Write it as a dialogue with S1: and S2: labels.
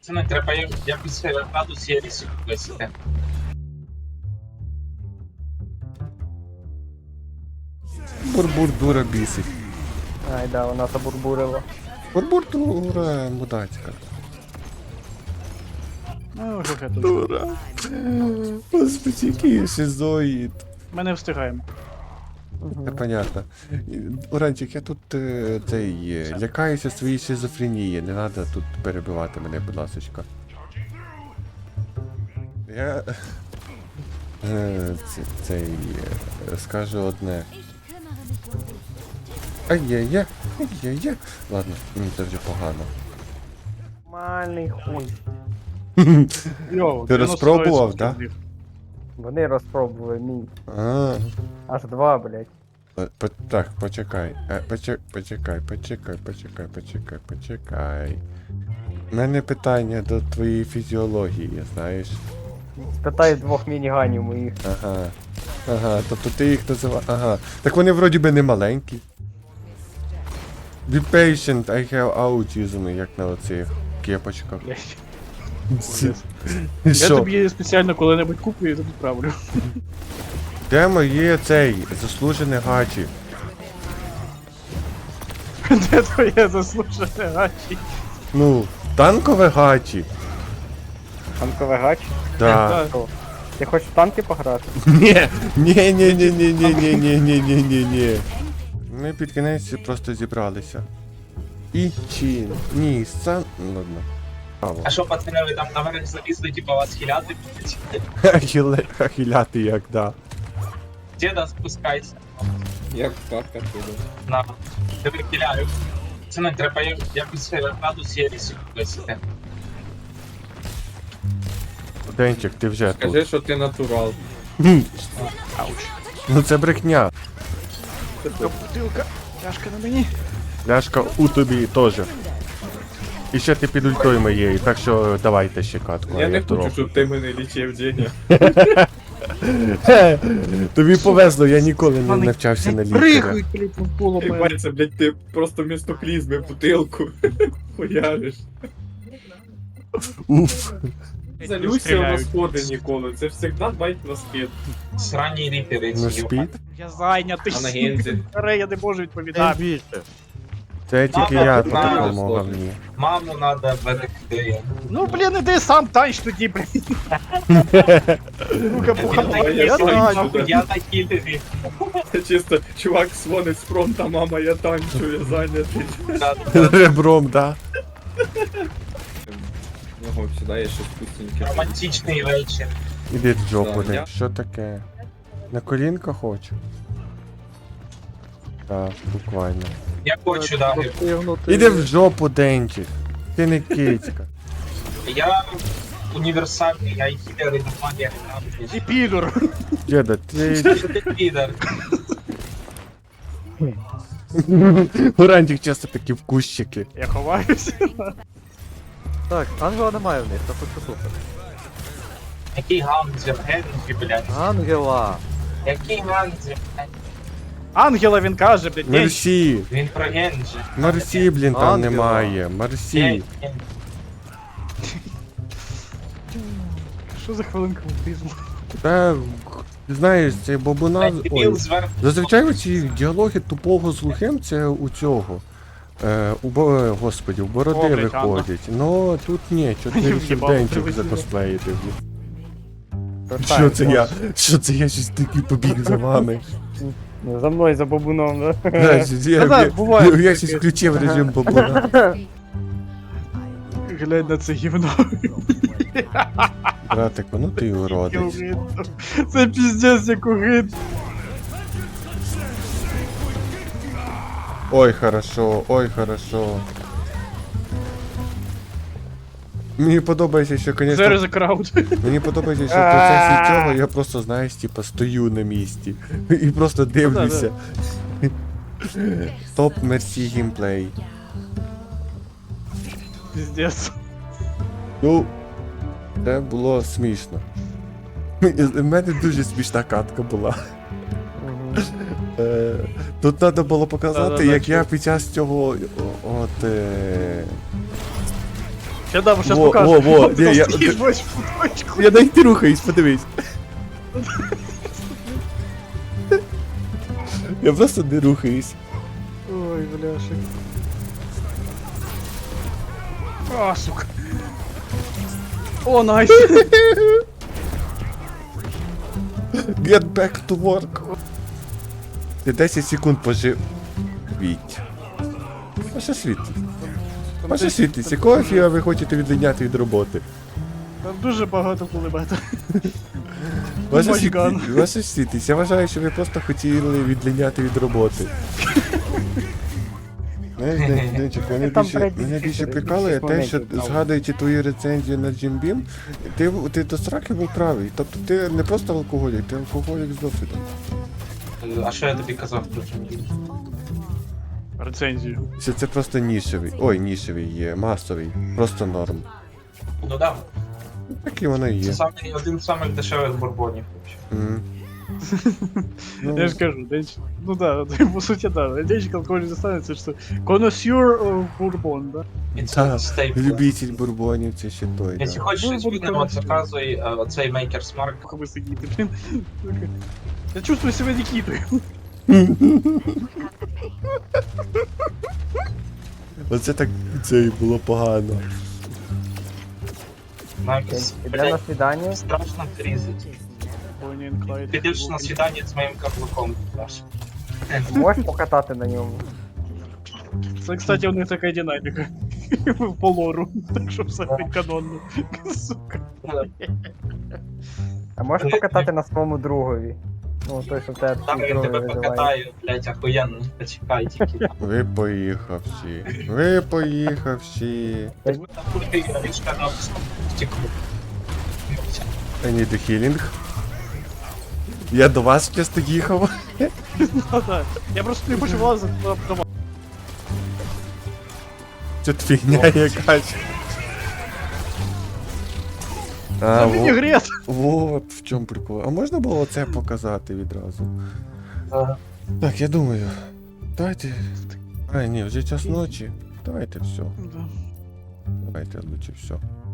S1: Пацани, треба якось градус єрісів висити.
S2: Бурбур дура бісить.
S3: Ай, да, вона забурбурила.
S2: Бурбур дура мудацька.
S4: Ну, вже тут.
S2: Дура. Господи, який шизоїд.
S4: Ми не встигаємо.
S2: Це понятно. Уранчик, я тут лякаюся своєї шизофренії. Не треба тут перебивати мене, будь ласочка. Я скажу одне. Ай-яй-яй, ай-яй-яй. Ладно, мені це вже погано.
S3: Нормальний хуй.
S4: Йоу,
S2: Ти розпробував, да?
S3: Вони розпробували мій.
S2: А,
S3: Аж два, блядь.
S2: так, почекай. Почекай. У мене питання до твоєї фізіології, знаєш.
S3: Спитай двох мініганів моїх.
S2: Ага, тобто ти їх називаєш. Ага. Так вони вроді би не маленькі. Be patient, I have autism, як на оцих кепочках.
S4: Я
S2: Що?
S4: тобі спеціально коли-небудь куплю і тобі відправлю.
S2: Де моє цей заслужене гачі?
S4: Де твоє заслужене гачі?
S2: Ну, танкове гачі.
S3: Танковий гач.
S2: Да.
S3: Що? Ти хочеш в танки пограти?
S2: Ні. Ми під кінець просто зібралися. І чин. Ні, сам. Ладно. Право.
S1: А що, пацани, ви там наверх залізли, типа вас хиляти будуть?
S2: Ахіляти як, да.
S1: Діда, спускайся.
S5: Як катка туди.
S1: На, тебе хиляю. Пацани, треба якось градус єрісів висити.
S2: Денчик, ти вже тут.
S5: Скажи, що ти натурал.
S2: Ну це брехня.
S4: Бутилка, чашка на мені.
S2: Ляшка у тобі теж. І ще ти під ультою моєю, так що давайте ще катку.
S5: Я не
S2: трохи.
S5: хочу, щоб ти мене лічив, Деня.
S2: Тобі повезло, я ніколи не навчався на лікаря.
S4: Прихуй, блядь, навколо мене.
S5: Бачиться, блядь, ти просто вмісто клізми бутилку хуяриш.
S2: Уф.
S5: Залюся на сходи ніколи, це завжди байт на спід.
S1: Сранні ріпери
S2: На
S1: ці.
S2: спід?
S4: Я зайнятий.
S5: А на гензі?
S4: Аре, я не можу відповідати.
S2: Це тільки
S1: Мама,
S2: я
S1: мама,
S2: тут допомогла мені.
S1: Маму надо берегти.
S4: Ну, блін, іди сам танч тоді, блін. Ну-ка, пуха,
S5: Я танчу, да.
S1: Я на кілері.
S5: Це чисто чувак дзвонить з фронта, мама, я танчу, я зайнятий.
S2: Ребром, да.
S5: Ну, сюди є щось вкусненьке.
S1: Романтичний вечір.
S2: Іди в жопу,
S5: Да,
S2: не.
S5: я-
S2: Що таке? На колінка хочу? Так, буквально.
S1: Я хочу дати.
S2: Іди в жопу, Денчик. Ти не кицька.
S1: Я універсальний, я і хілер, і магія.
S4: І підор.
S2: Діда, ти...
S1: Ти підер.
S2: Урантик часто такі в кущики.
S4: Я ховаюся.
S6: Так, ангела немає в них, та хоч супер.
S1: Який ганзер, Гензі, блядь.
S6: Ангела!
S1: Який ганзер?
S4: Ангела він каже, блядь, ні.
S2: Мерсі.
S1: Він про Гензі.
S2: Мерсі, блін, там
S6: Ангела.
S2: немає. Мерсі.
S4: Що за хвилинка аутизму?
S2: Та, знаєш, це бабуна... Ой.
S1: Дебіл зверху.
S2: Зазвичай ці діалоги тупого з глухим це у цього. Господи, у бороди
S4: О, блядь,
S2: виходять. Ну тут ні, чотири
S4: В'їбав,
S2: денчик
S4: привезли.
S2: закосплеїти. Що це я? Що це я щось такий побіг за вами?
S3: За мною, за бабуном, да?
S4: да, буває.
S2: Я щось включив режим бабуна.
S4: Глянь на це гівно.
S2: Братику, ну ти уродець.
S4: Це піздець, як угид.
S2: Ой, хорошо, ой, хорошо. Мені подобається, що,
S4: There
S2: конечно,
S4: is a crowd.
S2: мені подобається, що в процесі цього я просто, знаєш, типа, стою на місці і просто дивлюся. Топ Мерсі геймплей.
S4: Піздець.
S2: Ну, це було смішно. В мене дуже смішна катка була. Тут треба було показати,
S4: Да-да-да,
S2: як я під час цього от
S4: Ще дам, щас
S2: Во,
S4: покажу.
S2: во, во,
S4: Ти
S2: ні, я-
S4: стоїш, бачиш, в куточку.
S2: Я навіть не рухаюсь, подивись. Я просто не рухаюсь.
S4: Ой, бляшек. А, сука. О, найс.
S2: Get back to work. Ти 10 секунд пожив. Віть. Ваша світлість. Ваша світлість, якого фіга ви хочете відлиняти від роботи?
S4: Там дуже багато кулемета.
S2: Ваша
S4: Майган.
S2: світлість, ваша світлість, я вважаю, що ви просто хотіли відлиняти від роботи. Знаєш, Денчик,
S3: Там третій
S2: мене більше
S3: фільтр,
S2: прикалує те, що
S3: моментів, правда.
S2: згадуючи твою рецензію на Jim Beam, ти до страхи був правий. Тобто ти не просто алкоголік, ти алкоголік з досвідом.
S1: А що я тобі казав про Джимбі?
S4: Рецензію.
S2: Що це просто нішевий. Ой, нішевий є, масовий. Просто норм.
S1: Ну да,
S2: Так і воно і
S1: це
S2: є.
S1: один з самих дешевих бурбонів. взагалі.
S2: М. Ну,
S4: Я ж кажу, Денчик. Ну да, по суті, да. Денчик алкоголь не станеться, що коносюр бурбон, да?
S1: І це
S2: Та,
S1: стейпл.
S2: любитель бурбонів, це ще той.
S1: Якщо
S2: Да.
S1: хочеш щось
S4: Бурбон
S1: видно,
S4: хороший.
S1: заказуй оцей Maker's Mark.
S4: Пока мы сидите, блин. Сука. Я чувствую себя Никитой.
S2: Оце так це і було погано.
S1: Навіть,
S3: Іде на
S1: блядь,
S3: свідання.
S1: страшно різати.
S4: Bonnie and Clyde.
S1: Підеш на свідання з моїм каблуком. Саш.
S3: Можеш покатати на ньому.
S4: Це, кстати, у них така динаміка. По лору. Так що все канонно. Сука.
S3: А можеш покатати на своєму другові. Ну, той, що в тебе
S1: Там я
S3: другий
S1: тебе
S3: визиває.
S1: покатаю, блять, охуєнно. Почекай тільки.
S2: Ви поїхавші. Ви поїхавші.
S1: Там культи, річка на стекло.
S2: I need a healing. Я до вас часто їхав.
S4: Да. Я просто не хочу влазити на дома.
S2: Це фігня якась. А,
S4: Це мені грет.
S2: вот в чому прикол. А можна було це показати відразу?
S1: Ага.
S2: Так, я думаю. Давайте. А, ні, вже час ночі. Давайте все.
S4: Да.
S2: Давайте лучше все.